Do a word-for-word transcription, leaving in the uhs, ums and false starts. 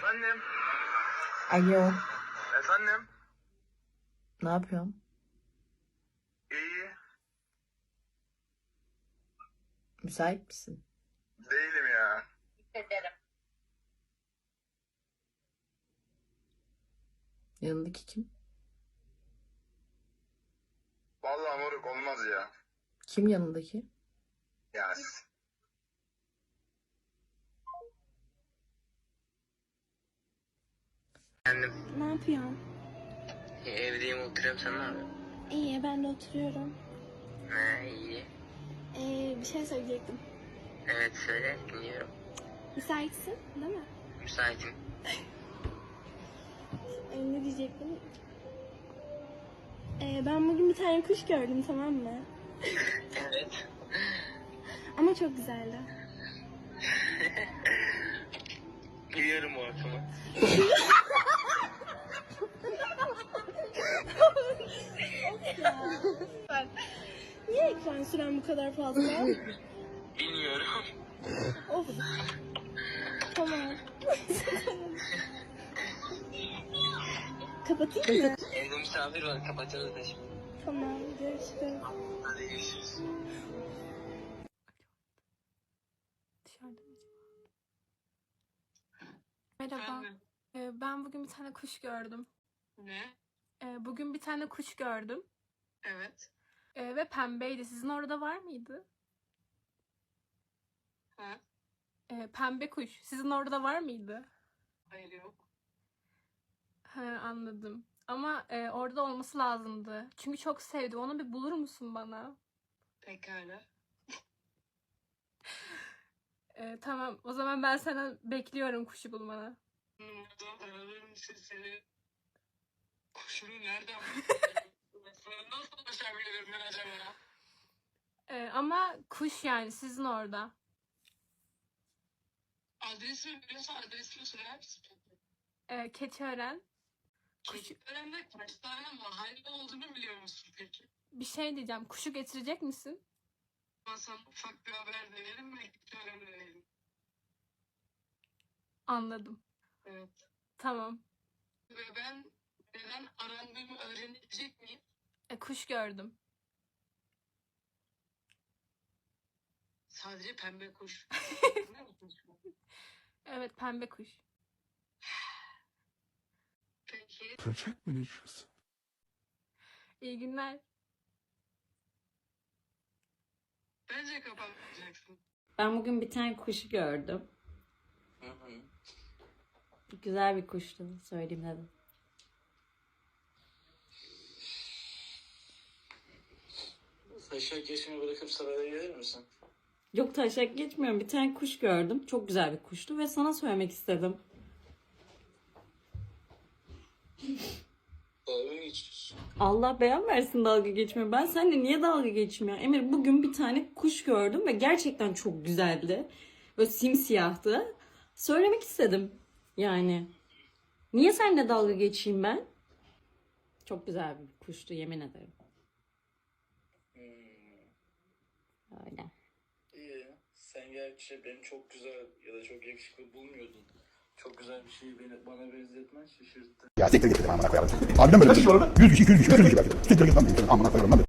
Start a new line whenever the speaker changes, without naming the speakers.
Efendim?
Alo,
Efendim?
ne yapıyorsun?
İyi.
Müsait misin?
Değilim ya.
Ederim.
Yanındaki kim?
Vallahi moruk olmaz ya.
Kim yanındaki?
Ya
Efendim,
Ne yapıyorsun?
e, evdeyim oturuyorum, sen ne yapıyorsun?
İyi, ben de oturuyorum.
Ha, iyi.
Ee, bir şey söyleyecektim.
Evet, söyle, dinliyorum.
Müsaitsin, değil mi?
Müsaitim.
Ee, ne diyecektim? Ee, ben bugün bir tane kuş gördüm, tamam mı?
Evet.
Ama çok güzeldi.
Biliyorum o ortamı.
Niye ekran süren bu kadar fazla?
Bilmiyorum.
Of. Tamam. Kapatayım mı?
Evde misafir var, kapatıyoruz da şimdi.
Tamam, görüşürüz.
Hadi görüşürüz.
Dışarıda mı acaba? Merhaba. Ee, ben bugün bir tane kuş gördüm.
Ne?
Ee, bugün bir tane kuş gördüm.
Evet.
Ee, ve pembeydi. Sizin orada var mıydı?
Ha?
Ee, pembe kuş. Sizin orada var mıydı?
Hayır yok.
He, anladım. Ama e, orada olması lazımdı. Çünkü çok sevdim. Onu bir bulur musun bana?
Pekala.
Ee, tamam. O zaman ben senden bekliyorum kuşu bulmanı.
Numaradan aradığım için seni kuşunu nereden nasıl ulaşabilirim ben acaba?
Ee, ama kuş yani sizin orada.
Adresimi biliyorsan adresimi söyler misin?
Ee, Keçiören. Kuş,
Keçiören'de kaç tane mahalle olduğunu biliyor musun peki?
bir şey diyeceğim. Kuşu getirecek misin?
Ben sana ufak bir haber verelim ve Keçiören'e dönelim.
Anladım.
Evet.
Tamam.
Ve ben neden arandığımı öğrenebilecek miyim?
E, kuş gördüm.
Sadece pembe kuş. Ne kuş bu?
Evet, pembe kuş.
Peki.
Köpek mi geçiyorsun?
İyi günler.
Bence kapatmayacaksın.
Ben bugün bir tane kuşu gördüm.
Hı hı.
Güzel bir kuştu. Söyleyeyim dedim.
Taşak yaşını bırakıp saraya gelir misin?
Yok, taşak geçmiyorum. Bir tane kuş gördüm. Çok güzel bir kuştu ve sana söylemek istedim.
Dalga mı geçiyorsun?
Allah beyan versin dalga geçmiyor. Ben seninle niye dalga geçmiyor? Emir, bugün bir tane kuş gördüm ve gerçekten çok güzeldi. Böyle simsiyahtı. Söylemek istedim. Yani. Niye seninle dalga geçeyim ben? Çok güzel bir kuştu, yemin ederim.
Hmm.
Öyle.
İyi. Sen gerçi beni çok güzel ya da çok yakışıklı bulmuyordun. Çok güzel bir şeyi beni, bana benzetmen şaşırttı.
Ya siktir git dedim amına koyarım. Harbiden böyle bir şey olur mu? yüz kişi, iki yüz kişi, üç yüz kişi belki. Siktir git lan. Amına koyarım lan.